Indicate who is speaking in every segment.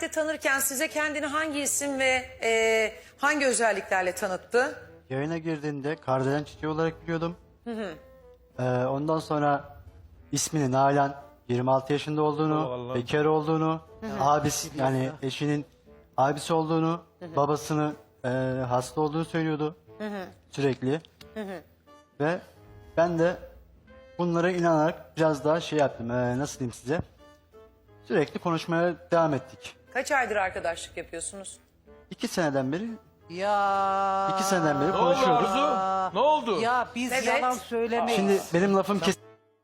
Speaker 1: internette tanırken size kendini hangi isim ve hangi özelliklerle tanıttı?
Speaker 2: Yayına girdiğinde Kardelen Çiçeği olarak biliyordum. Ondan sonra ismini Nalan, 26 yaşında olduğunu, bekar olduğunu, abisi yani eşinin abisi olduğunu, babasını hasta olduğunu söylüyordu sürekli. Ve ben de bunlara inanarak biraz daha şey yaptım, nasıl diyeyim size, sürekli konuşmaya devam ettik.
Speaker 1: Kaç aydır arkadaşlık yapıyorsunuz?
Speaker 2: 2 seneden beri
Speaker 3: Ya.
Speaker 2: 2 seneden beri
Speaker 4: Ne oldu
Speaker 2: konuşuyoruz.
Speaker 4: Arzu? Ne oldu?
Speaker 3: Ya biz
Speaker 1: Evet.
Speaker 3: yalan söylemeyiz.
Speaker 2: Şimdi benim lafım kes.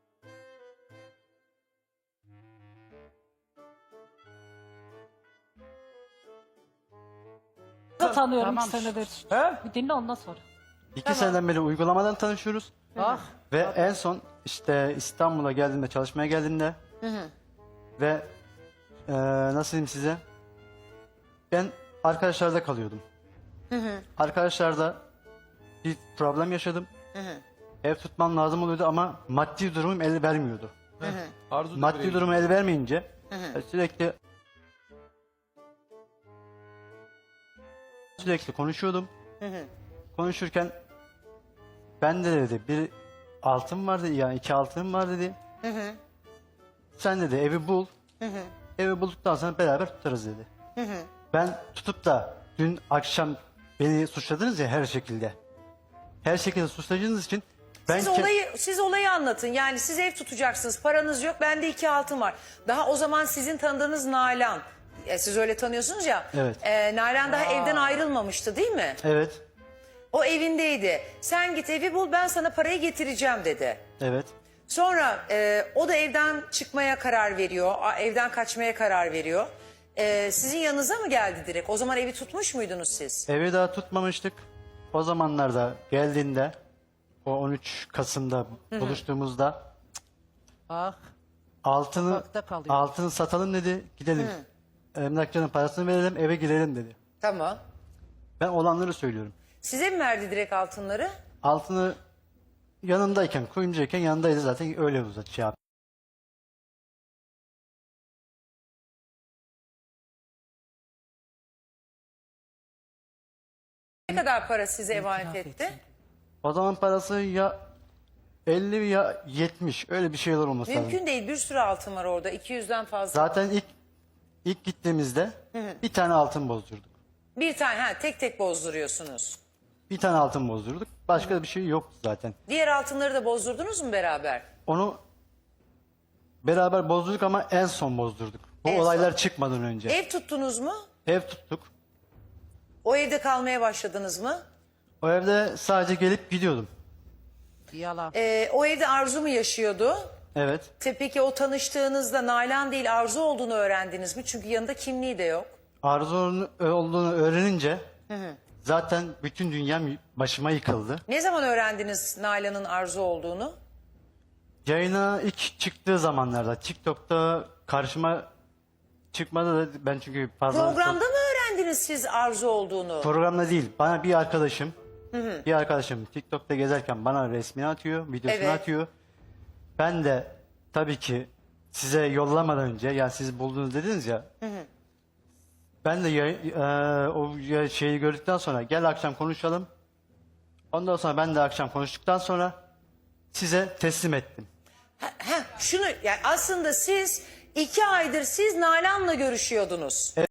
Speaker 5: Tanıyorum
Speaker 3: Tamam.
Speaker 5: 2 senedir.
Speaker 4: He?
Speaker 5: Bir dinle ondan sonra.
Speaker 2: 2 seneden beri uygulamadan tanışıyoruz.
Speaker 3: Ah.
Speaker 2: Ve en son işte İstanbul'a geldiğimde, çalışmaya geldiğimde ve nasıl diyeyim size, ben arkadaşlarda kalıyordum. Arkadaşlarda bir problem yaşadım. Ev tutmam lazım oluyordu ama maddi durumum el vermiyordu.
Speaker 4: Arzu da
Speaker 2: Maddi
Speaker 4: buraya
Speaker 2: durumu el vermeyince sürekli konuşuyordum. Konuşurken ben de dedi bir altın var dedi, yani 2 altın var dedi. Sen dedi evi bul. Evi bulduktan sonra beraber tutarız dedi. Ben tutup da dün akşam beni suçladınız ya her şekilde. Her şekilde suçladığınız için ben
Speaker 1: Siz olayı anlatın. Yani siz ev tutacaksınız, paranız yok, bende 2 altın var. Daha o zaman sizin tanıdığınız Nalan. Siz öyle tanıyorsunuz ya.
Speaker 2: Evet.
Speaker 1: Nalan daha evden ayrılmamıştı değil mi?
Speaker 2: Evet.
Speaker 1: O evindeydi. Sen git evi bul, ben sana parayı getireceğim dedi.
Speaker 2: Evet.
Speaker 1: Sonra o da evden çıkmaya karar veriyor. Evden kaçmaya karar veriyor. Sizin yanınıza mı geldi direkt? O zaman evi tutmuş muydunuz siz?
Speaker 2: Evi daha tutmamıştık. O zamanlarda geldiğinde o 13 Kasım'da buluştuğumuzda
Speaker 3: Ah.
Speaker 2: altını
Speaker 3: Sokakta kalıyor.
Speaker 2: altını satalım dedi. Gidelim. Emlakçının parasını verelim, eve girelim dedi.
Speaker 1: Tamam.
Speaker 2: Ben olanları söylüyorum.
Speaker 1: Size mi verdi direkt altınları?
Speaker 2: Altını yanındayken, kuyumcuyken yanındaydı zaten, öyle uzat şey yaptı.
Speaker 1: Ne kadar para size emanet
Speaker 3: İtiraf
Speaker 1: etti?
Speaker 3: etsin.
Speaker 2: O zaman parası ya 50 ya 70, öyle bir şeyler olması lazım.
Speaker 1: Mümkün değil. Bir sürü altın var orada. 200'den fazla.
Speaker 2: Zaten ilk gittiğimizde bir tane altın bozdurduk.
Speaker 1: Bir tane tek tek bozduruyorsunuz.
Speaker 2: Bir tane altın bozdurduk. Başka da bir şey yoktu zaten.
Speaker 1: Diğer altınları da bozdurdunuz mu beraber?
Speaker 2: Onu beraber bozdurduk ama en son bozdurduk. Bu
Speaker 1: En son.
Speaker 2: olaylar çıkmadan önce.
Speaker 1: Ev tuttunuz mu?
Speaker 2: Ev tuttuk.
Speaker 1: O evde kalmaya başladınız mı?
Speaker 2: O evde sadece gelip gidiyordum.
Speaker 3: Yalan.
Speaker 1: O evde Arzu mu yaşıyordu?
Speaker 2: Evet.
Speaker 1: Peki o tanıştığınızda Nalan değil Arzu olduğunu öğrendiniz mi? Çünkü yanında kimliği de yok.
Speaker 2: Arzu olduğunu öğrenince zaten bütün dünyam başıma yıkıldı.
Speaker 1: Ne zaman öğrendiniz Nalan'ın Arzu olduğunu?
Speaker 2: Yayına ilk çıktığı zamanlarda TikTok'ta karşıma çıkmadı da ben çünkü fazla...
Speaker 1: Programda mı öğrendiniz siz Arzu olduğunu?
Speaker 2: Programda değil. Bana bir arkadaşım TikTok'ta gezerken bana resmini atıyor, videosunu
Speaker 1: Evet.
Speaker 2: atıyor. Ben de tabii ki size yollamadan önce, yani siz buldunuz dediniz ya. Ben de şeyi gördükten sonra gel akşam konuşalım. Ondan sonra ben de akşam konuştuktan sonra size teslim ettim.
Speaker 1: Yani aslında siz 2 aydır siz Nalan'la görüşüyordunuz.